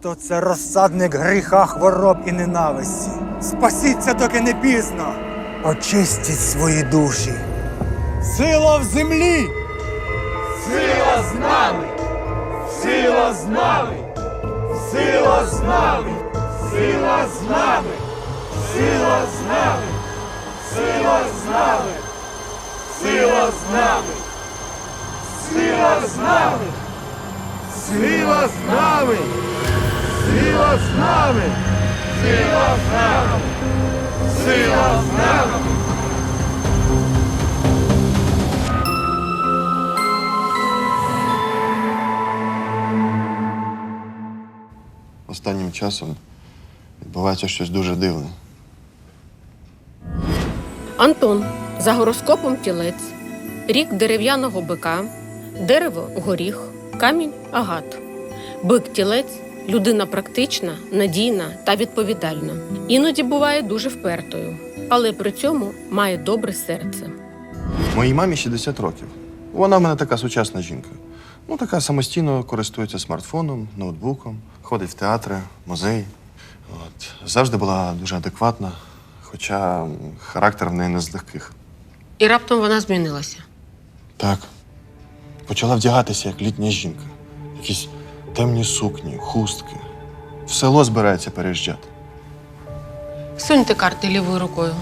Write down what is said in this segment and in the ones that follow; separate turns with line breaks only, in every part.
Місто – це розсадник гріха, хвороб і ненависті. Спасіться, доки не пізно. Очистіть свої душі. Сила в землі!
Сила з нами! Сила з нами! Сила з нами! Сила з нами! Сила з нами! Сила з нами! Сила з нами! Сила з нами! Сила з нами! Сила з нами! Сила з нами! Сила з нами!
Останнім часом відбувається щось дуже дивне.
Антон. За гороскопом тілець. Рік дерев'яного бика. Дерево – горіх. Камінь – агат. Бик-тілець – людина практична, надійна та відповідальна. Іноді буває дуже впертою, але при цьому має добре серце.
Моїй мамі 60 років. Вона в мене така сучасна жінка. Ну, така самостійно користується смартфоном, ноутбуком, ходить в театри, музеї. Завжди була дуже адекватна, хоча характер в неї не з легких.
І раптом вона змінилася.
Так. Почала вдягатися, як літня жінка. Якісь темні сукні, хустки. В село збирається переїжджати.
Суньте карти лівою рукою.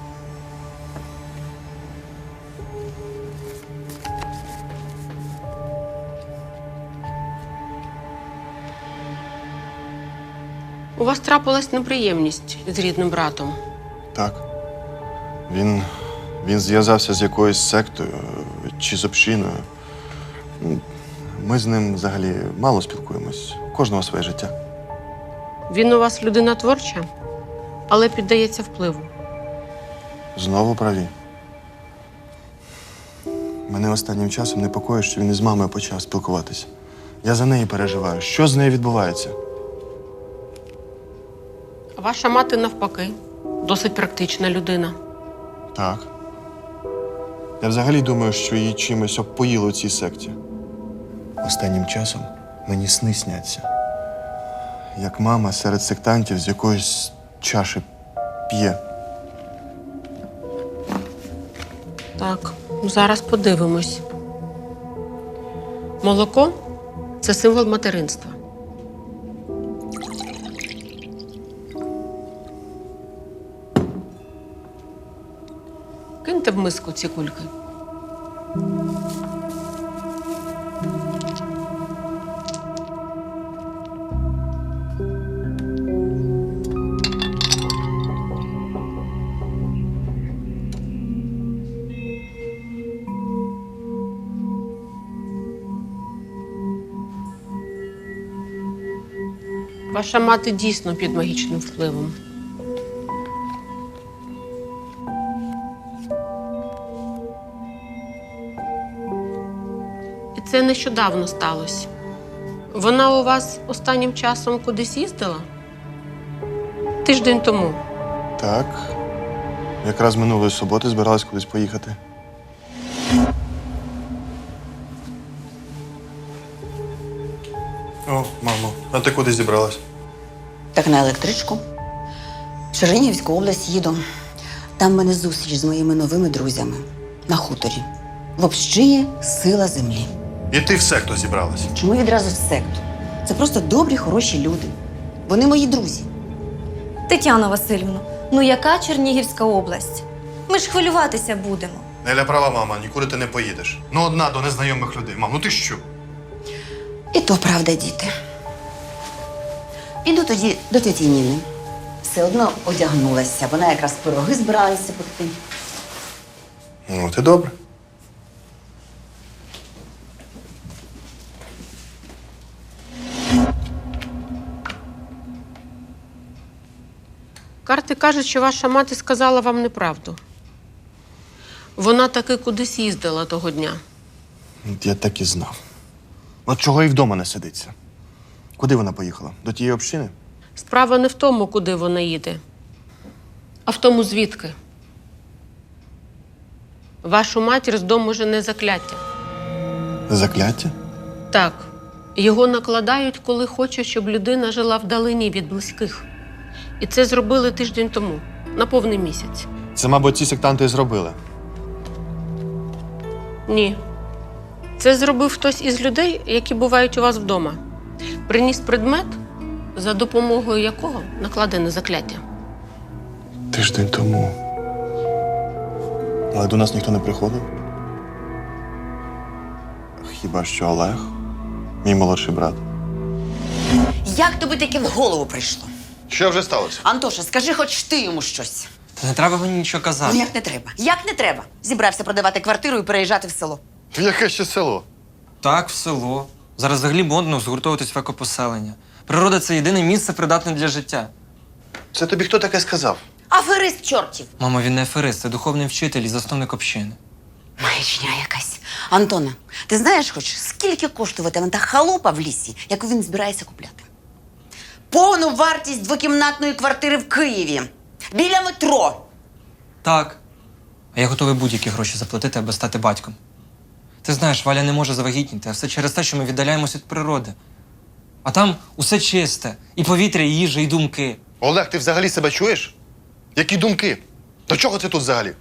У вас трапилась неприємність з рідним братом.
Так. Він зв'язався з якоюсь сектою чи з общиною. Ми з ним взагалі мало спілкуємось. У кожного своє життя.
Він у вас людина творча, але піддається впливу.
Знову праві. Мене останнім часом непокоїть, що він із мамою почав спілкуватися. Я за неї переживаю. Що з нею відбувається?
А ваша мати, навпаки, досить практична людина.
Так. Я взагалі думаю, що її чимось обпоїли у цій секті. Останнім часом мені сни сняться. Як мама серед сектантів з якоїсь чаші п'є.
Так, зараз подивимось. Молоко – це символ материнства. Киньте в миску ці кульки. Ваша мати дійсно під магічним впливом. І це нещодавно сталося. Вона у вас останнім часом кудись їздила? Тиждень тому.
Так. Якраз минулої суботи збиралась кудись поїхати. О, мамо, а ти куди зібралась?
Так на електричку. В Чернігівську область їду. Там в мене зустріч з моїми новими друзями. На хуторі. В общині сила землі.
І ти в секту зібралась?
Чому відразу в секту? Це просто добрі, хороші люди. Вони мої друзі.
Тетяно Васильівно, ну яка Чернігівська область? Ми ж хвилюватися будемо.
Неля права, мама, нікуди ти не поїдеш. Ну, одна до незнайомих людей. Мам, ну ти що?
І то правда, діти. Піду тоді до тіті Ніни. Все одно одягнулася. Вона якраз пироги збиралася пекти.
Ну, ти добре.
Карти кажуть, що ваша мати сказала вам неправду. Вона таки кудись їздила того дня.
От я так і знав. От чого і вдома не сидиться. Куди вона поїхала? До тієї общини?
Справа не в тому, куди вона їде, а в тому, звідки. Вашу матір з дому жене закляття.
Закляття?
Так, Його накладають, коли хочуть, щоб людина жила вдалині від близьких. І це зробили тиждень тому, на повний місяць.
Це, мабуть, ці сектанти і зробили.
Ні. Це зробив хтось із людей, які бувають у вас вдома. Приніс предмет, за допомогою якого накладене закляття.
Тиждень тому. Але до нас ніхто не приходив. Хіба що Олег, мій молодший брат.
Як тобі таке в голову прийшло?
Що вже сталося?
Антоша, скажи хоч ти йому щось.
Та не треба мені нічого казати.
Ну як не треба? Як не треба? Зібрався продавати квартиру і переїжджати в село.
Яке ще село?
Так, в село. Зараз взагалі модно згуртовуватись в екопоселення. Природа – це єдине місце, придатне для життя.
Це тобі хто таке сказав?
Аферист чортів.
Мамо, він не аферист, це духовний вчитель і засновник общини.
Маячня якась. Антона, ти знаєш хоч, скільки коштуватиме та халупа в лісі, яку він збирається купляти? Повну вартість двокімнатної квартири в Києві. Біля метро.
Так. А я готовий будь-які гроші заплатити, аби стати батьком. Ти знаєш, Валя не може завагітніти, а все через те, що ми віддаляємося від природи. А там усе чисте. І повітря, і їжа, і думки.
Олег, ти взагалі себе чуєш? Які думки? До чого ти тут взагалі?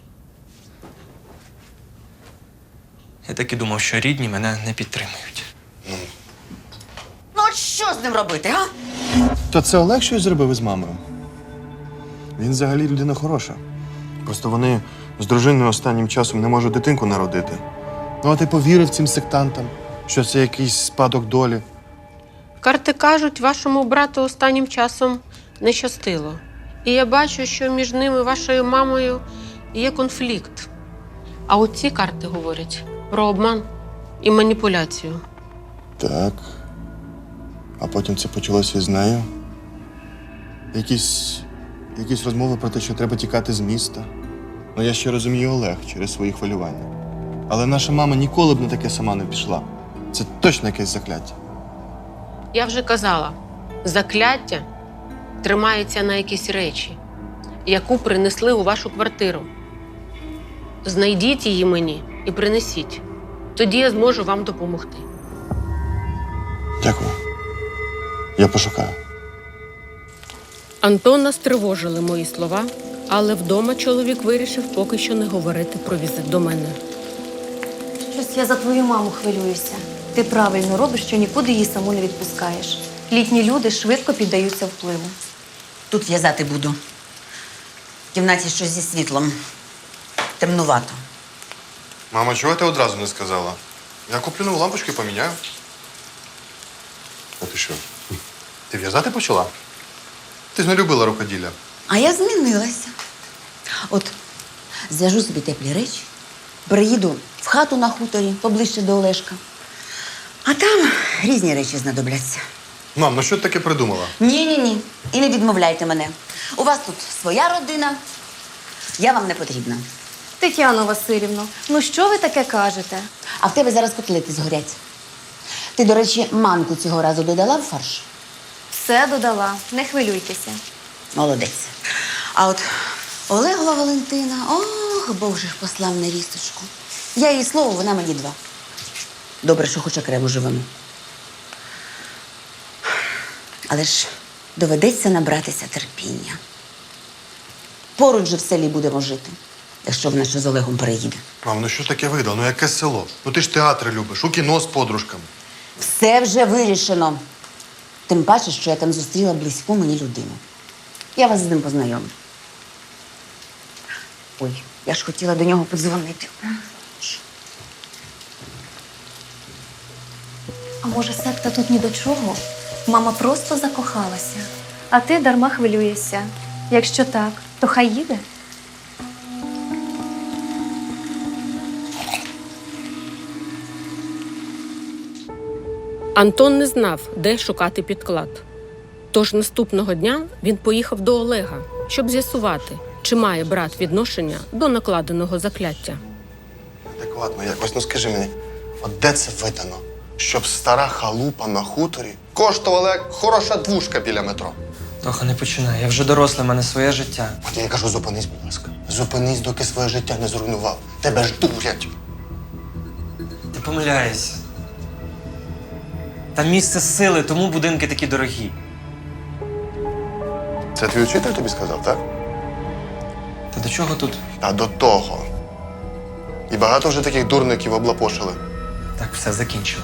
Я так і думав, що рідні мене не підтримують.
Ну от що з ним робити, га?
То це Олег щось зробив із мамою? Він взагалі людина хороша. Просто вони з дружиною останнім часом не можуть дитинку народити. Ну, а ти повірив цим сектантам, що це якийсь спадок долі.
Карти кажуть, вашому брату останнім часом не щастило. І я бачу, що між ними, вашою мамою, є конфлікт. А от ці карти говорять про обман і маніпуляцію.
Так. А потім це почалося з нею. Якісь розмови про те, що треба тікати з міста. Ну, я ще розумію Олег через свої хвилювання. Але наша мама ніколи б на таке сама не пішла. Це точно якесь закляття.
Я вже казала, закляття тримається на якісь речі, яку принесли у вашу квартиру. Знайдіть її мені і принесіть. Тоді я зможу вам допомогти.
Дякую. Я пошукаю.
Антона стривожили мої слова, але вдома чоловік вирішив поки що не говорити про візит до мене.
Щось я за твою маму хвилююся. Ти правильно робиш, що нікуди її саму не відпускаєш. Літні люди швидко піддаються впливу.
Тут в'язати буду. В кімнаті щось зі світлом. Темнувато.
Мама, чого ти одразу не сказала? Я куплю нову лампочку і поміняю. А ти що? Ти в'язати почала? Ти ж не любила рукоділля.
А я змінилася. От зв'яжу собі теплі речі, приїду в хату на хуторі, поближче до Олешка. А там різні речі знадобляться.
Мам, ну що ти таке придумала?
Ні. І не відмовляйте мене. У вас тут своя родина. Я вам не потрібна.
Тетяно Василівно, ну що ви таке кажете?
А в тебе зараз котлети згорять. Ти, до речі, манку цього разу додала в фарш?
Все додала, не хвилюйтеся.
Молодець. А от Олегова Валентина, ох, Бог же послав невісточку. Я їй слово, вона мені два. Добре, що хоч окремо живемо. Але ж доведеться набратися терпіння. Поруч же в селі будемо жити, якщо вона ще з Олегом переїде.
Мам, ну що таке видав? Ну яке село? Ну ти ж театри любиш, у кіно з подружками.
Все вже вирішено. Тим паче, що я там зустріла близьку мені людину. Я вас з ним познайомлю. Ой, я ж хотіла до нього подзвонити.
А може, секта тут ні до чого? Мама просто закохалася. А ти дарма хвилюєшся. Якщо так, то хай їде.
Антон не знав, де шукати підклад. Тож наступного дня він поїхав до Олега, щоб з'ясувати, чи має брат відношення до накладеного закляття.
Адекватно якось, ну скажи мені, от де це видано? Щоб стара халупа на хуторі коштувала як хороша двушка біля метро.
Тоха, не починай. Я вже дорослий, в мене своє життя.
От я кажу, зупинись, будь ласка. Зупинись, доки своє життя не зруйнував. Тебе ж дурять.
Ти помиляєшся. Там місце сили, тому будинки такі дорогі.
Це твій учитель тобі сказав, так?
Та до чого тут?
А до того. І багато вже таких дурників облапошили.
Так, все закінчило.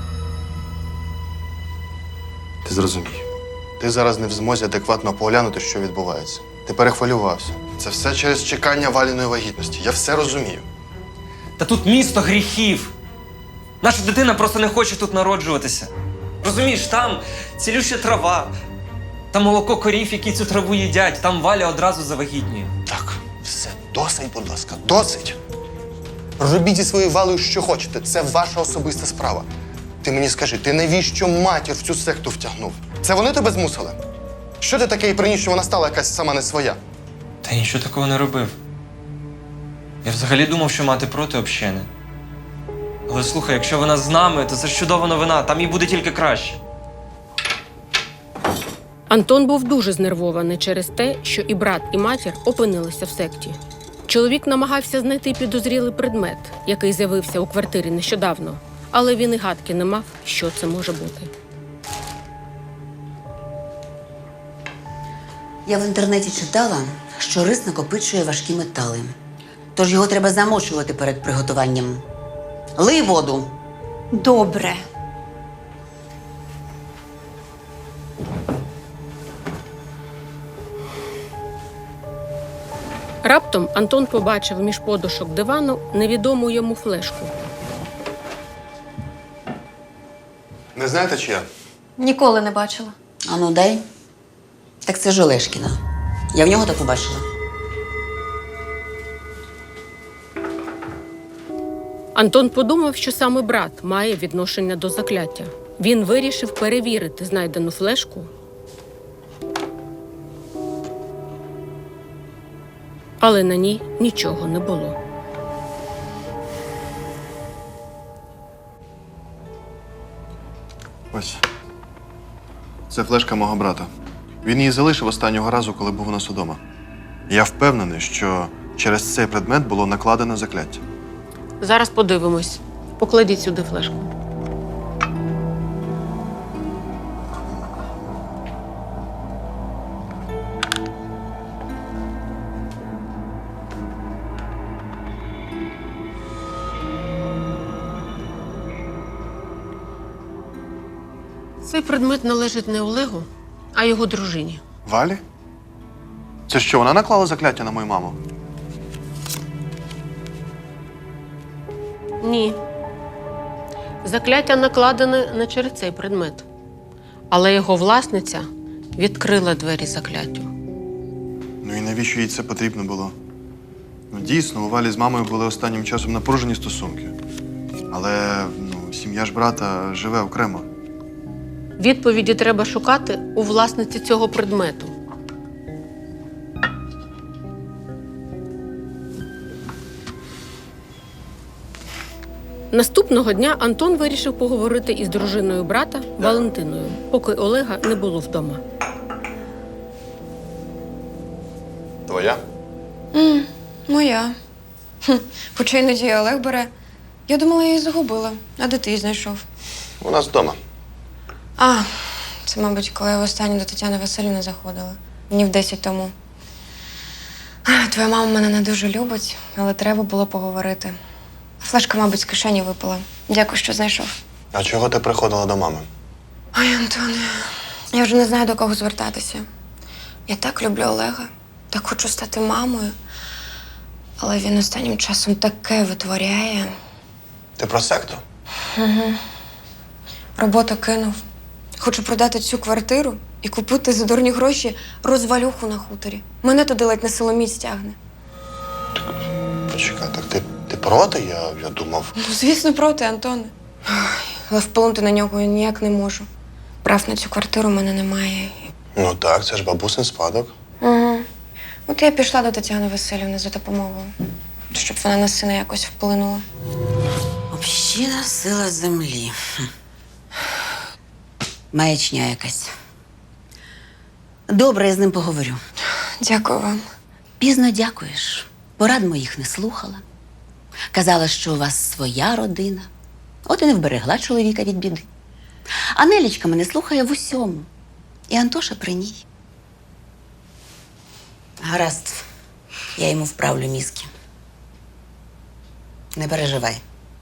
Ти зрозумій. Ти зараз не в змозі адекватно поглянути, що відбувається. Ти перехвилювався. Це все через чекання Валіної вагітності. Я все розумію.
Та тут місто гріхів. Наша дитина просто не хоче тут народжуватися. Розумієш, там цілюща трава, там молоко корів, які цю траву їдять, там Валя одразу завагітніє.
Так, все, досить, будь ласка, досить. Робіть зі своєю Валею, що хочете. Це ваша особиста справа. Ти мені скажи, ти навіщо матір в цю секту втягнув? Це вони тебе змусили? Що ти таке і приніс, що вона стала якась сама не своя?
Та я нічого такого не робив. Я взагалі думав, що мати проти общини. Але слухай, якщо вона з нами, то це ж чудова новина, там їй буде тільки краще.
Антон був дуже знервований через те, що і брат, і матір опинилися в секті. Чоловік намагався знайти підозрілий предмет, який з'явився у квартирі нещодавно, але він і гадки не мав, що це може бути.
Я в інтернеті читала, що рис накопичує важкі метали. Тож його треба замочувати перед приготуванням. Лий воду.
Добре.
Раптом Антон побачив між подушок дивану невідому йому флешку.
Не знаєте, чия?
Ніколи не бачила.
Ану, дай. Так це ж Олешкіна. Я в нього таку бачила.
Антон подумав, що саме брат має відношення до закляття. Він вирішив перевірити знайдену флешку. Але на ній нічого не було.
Ось. Це флешка мого брата. Він її залишив останнього разу, коли був у нас удома. Я впевнений, що через цей предмет було накладено закляття.
Зараз подивимось. Покладіть сюди флешку. Цей предмет належить не Олегу, а його дружині.
Валі? Це що, вона наклала закляття на мою маму?
Ні. Закляття накладене не через цей предмет. Але його власниця відкрила двері закляттю.
Ну і навіщо їй це потрібно було? Ну, дійсно, у Валі з мамою були останнім часом напружені стосунки. Але сім'я ж брата живе окремо.
Відповіді треба шукати у власниці цього предмету. Наступного дня Антон вирішив поговорити із дружиною брата Валентиною, поки Олега не було вдома.
Твоя?
Моя. Хоча іноді і Олег бере. Я думала, я її загубила. А де ти її знайшов?
У нас вдома.
А, це, мабуть, коли я востаннє до Тетяни Васильівни заходила. Днів 10 тому. Твоя мама мене не дуже любить, але треба було поговорити. Флешка, мабуть, з кишені випала. Дякую, що знайшов.
А чого ти приходила до мами?
Ой, Антоне, я вже не знаю, до кого звертатися. Я так люблю Олега, так хочу стати мамою. Але він останнім часом таке витворяє.
Ти про секту?
Роботу кинув. Хочу продати цю квартиру і купити за дурні гроші розвалюху на хуторі. Мене туди ледь на силоміць тягне.
Почекай, так ти проти? Я думав.
Ну, звісно, проти, Антоне. Ой, але вплинути на нього я ніяк не можу. Прав на цю квартиру в мене немає.
Ну так, це ж бабусин спадок.
Угу. От я пішла до Тетяни Васильівни за допомогою, щоб вона на сина якось вплинула.
Община сила землі. Маячня якась. Добре, я з ним поговорю.
Дякую вам.
Пізно дякуєш. Порад моїх не слухала. Казала, що у вас своя родина. От і не вберегла чоловіка від біди. А Нелічка мене слухає в усьому. І Антоша при ній. Гаразд, я йому вправлю мізки. Не переживай.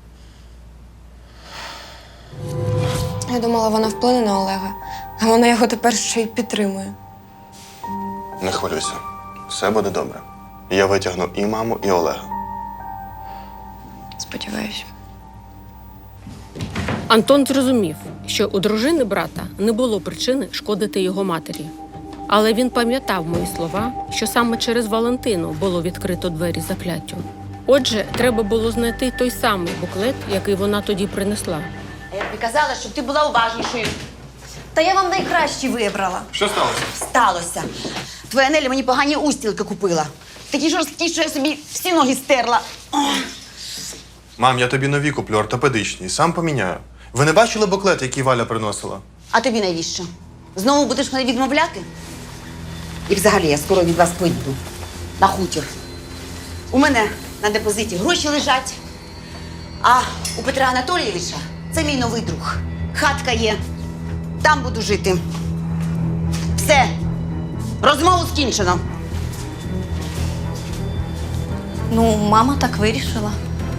Я думала, вона вплине на Олега, а вона його тепер ще й підтримує.
Не хвилюйся. Все буде добре. Я витягну і маму, і Олега.
Сподіваюсь.
Антон зрозумів, що у дружини брата не було причини шкодити його матері. Але він пам'ятав мої слова, що саме через Валентину було відкрито двері закляттю. Отже, треба було знайти той самий буклет, який вона тоді принесла.
А я тобі казала, щоб ти була уважнішою.
Та я вам найкращі вибрала.
Що сталося?
Сталося. Твоя Нелі мені погані устілки купила. Такі жорсткі, що я собі всі ноги стерла.
Мам, я тобі нові куплю, ортопедичні, сам поміняю. Ви не бачили буклет, який Валя приносила?
А тобі навіщо? Знову будеш мене відмовляти? І взагалі я скоро від вас поїду. На хутір. У мене на депозиті гроші лежать. А у Петра Анатолійовича це мій новий друг. Хатка є. Там буду жити. Все. Розмову скінчено.
Ну, мама так вирішила.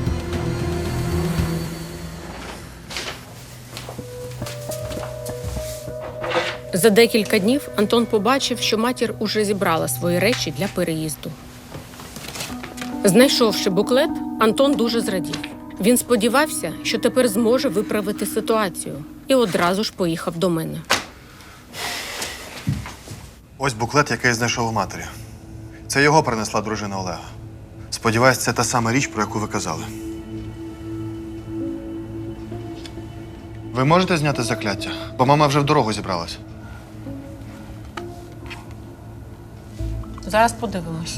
За декілька днів Антон побачив, що матір уже зібрала свої речі для переїзду. Знайшовши буклет, Антон дуже зрадів. Він сподівався, що тепер зможе виправити ситуацію, і одразу ж поїхав до мене.
Ось буклет, який я знайшов у матері. Це його принесла дружина Олега. Сподіваюсь, це та сама річ, про яку ви казали. Ви можете зняти закляття? Бо мама вже в дорогу зібралась.
Зараз подивимось.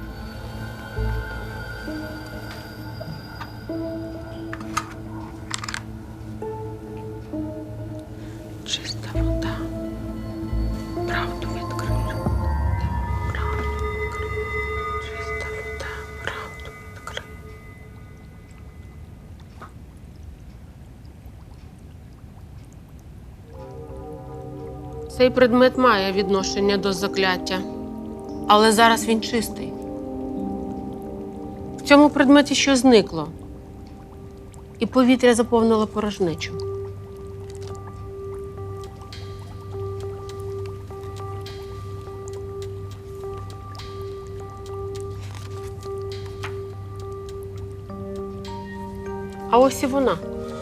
Чиста вода. Правду відкрив. Чиста вода. Правду відкрив. Цей предмет має відношення до закляття, але зараз він чистий. В цьому предметі щось зникло, і повітря заповнило порожнечу. А ось і вона.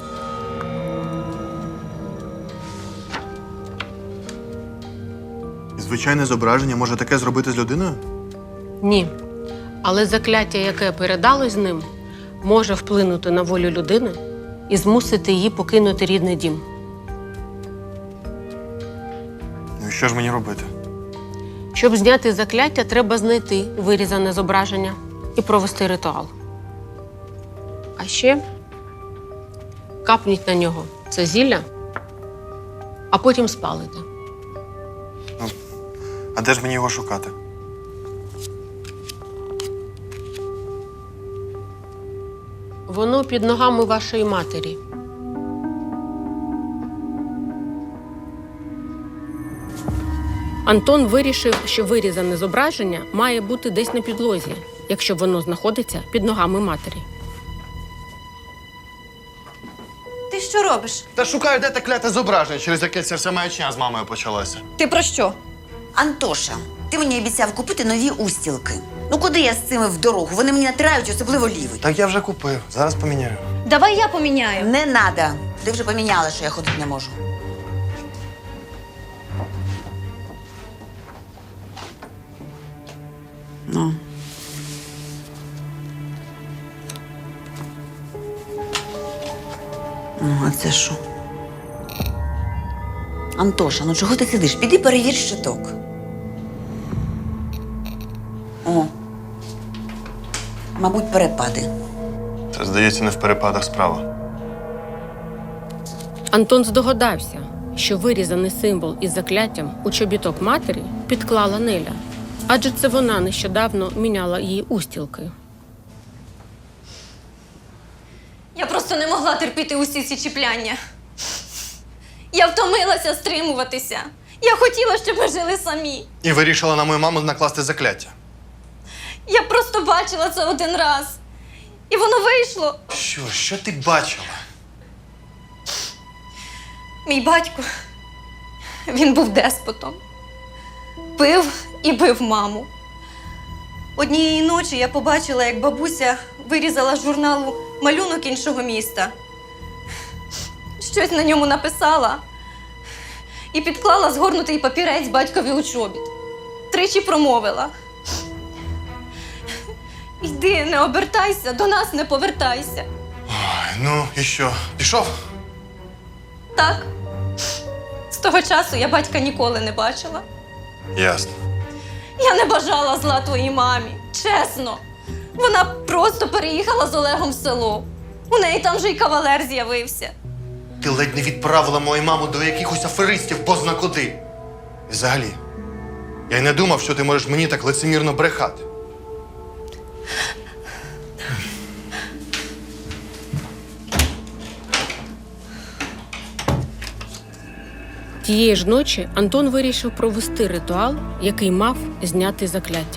Звичайне зображення може таке зробити з людиною?
Ні. Але закляття, яке передалось з ним, може вплинути на волю людини і змусити її покинути рідний дім.
Ну і що ж мені робити?
Щоб зняти закляття, треба знайти вирізане зображення і провести ритуал. А ще капніть на нього це зілля, а потім спалите.
А де ж мені його шукати?
Воно під ногами вашої матері. Антон вирішив, що вирізане зображення має бути десь на підлозі, якщо воно знаходиться під ногами матері.
Ти що робиш?
Та шукаю, де те кляте зображення, через яке ця вся маячня з мамою почалася.
Ти про що?
Антоша, ти мені обіцяв купити нові устілки. Ну куди я з цими в дорогу? Вони мені натирають, особливо лівий.
Так я вже купив, зараз поміняю.
Давай я поміняю.
Не надо. Ти вже поміняла, що я ходити не можу. Ну. Ну, а це що? Антоша, ну чого ти сидиш? Піди перевір щиток. О. Мабуть, перепади.
Це, здається, не в перепадах справа.
Антон здогадався, що вирізаний символ із закляттям у чобіток матері підклала Неля. Адже це вона нещодавно міняла її устілки.
Я просто не могла терпіти усі ці чіпляння. Я втомилася стримуватися. Я хотіла, щоб ми жили самі.
І вирішила на мою маму накласти закляття.
Я просто бачила це один раз. І воно вийшло.
Що ти бачила?
Мій батько, він був деспотом. Пив і бив маму. Однієї ночі я побачила, як бабуся вирізала з журналу малюнок іншого міста. Щось на ньому написала і підклала згорнутий папірець батькові у чобіт. Тричі промовила: «Йди, не обертайся, до нас не повертайся».
Ой, ну і що, пішов?
Так. З того часу я батька ніколи не бачила.
Ясно.
Я не бажала зла твоїй мамі, чесно. Вона просто переїхала з Олегом в село. У неї там вже й кавалер з'явився.
Ти ледь не відправила мою маму до якихось аферистів позна куди. І взагалі, я й не думав, що ти можеш мені так лицемірно брехати.
Тієї ж ночі Антон вирішив провести ритуал, який мав зняти закляття.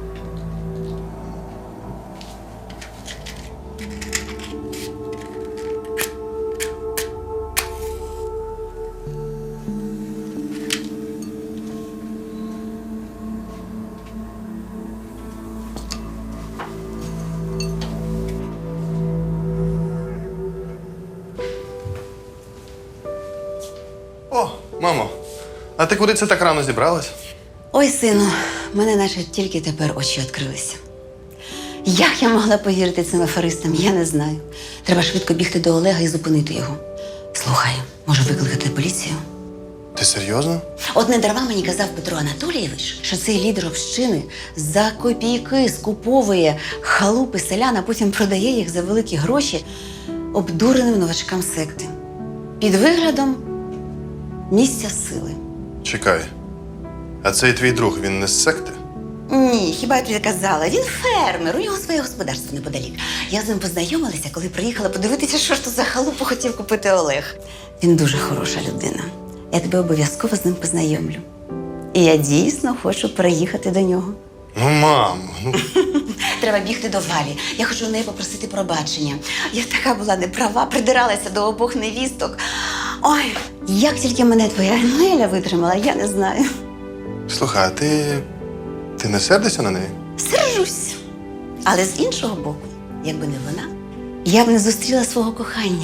О, мамо, а ти куди це так рано зібралась?
Ой, сину, в мене наче тільки тепер очі відкрилися. Як я могла повірити цим аферистам, я не знаю. Треба швидко бігти до Олега і зупинити його. Слухай, може викликати поліцію?
Ти серйозно?
От не дарма мені казав Петро Анатолійович, що цей лідер общини за копійки скуповує халупи селян, а потім продає їх за великі гроші обдуреним новачкам секти. Під виглядом місця сили.
Чекай. А цей твій друг, він не з секти?
Ні, хіба я тобі казала? Він фермер, у нього своє господарство неподалік. Я з ним познайомилася, коли приїхала подивитися, що ж то за халупу хотів купити Олег. Він дуже хороша людина. Я тебе обов'язково з ним познайомлю. І я дійсно хочу переїхати до нього.
Ну, мамо, ну.
Треба бігти до Валі. Я хочу у неї попросити пробачення. Я така була неправа, придиралася до обох невісток. Ой, як тільки мене твоя Неля витримала, я не знаю.
Слухай, а ти не сердишся на неї?
Сержусь. Але з іншого боку, якби не вона, я б не зустріла свого кохання.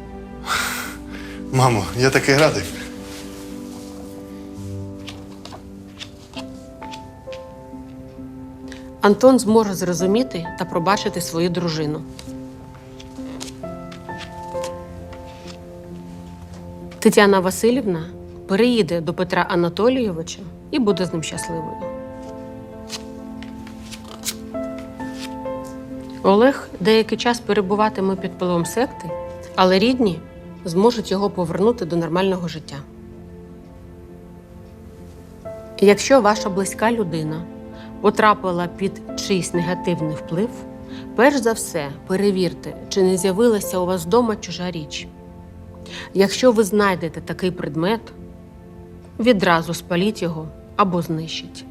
Мамо, я такий радий.
Антон зможе зрозуміти та пробачити свою дружину. Тетяна Василівна переїде до Петра Анатолійовича і буде з ним щасливою. Олег деякий час перебуватиме під впливом секти, але рідні зможуть його повернути до нормального життя. Якщо ваша близька людина потрапила під чийсь негативний вплив, перш за все перевірте, чи не з'явилася у вас вдома чужа річ. Якщо ви знайдете такий предмет, відразу спаліть його або знищіть.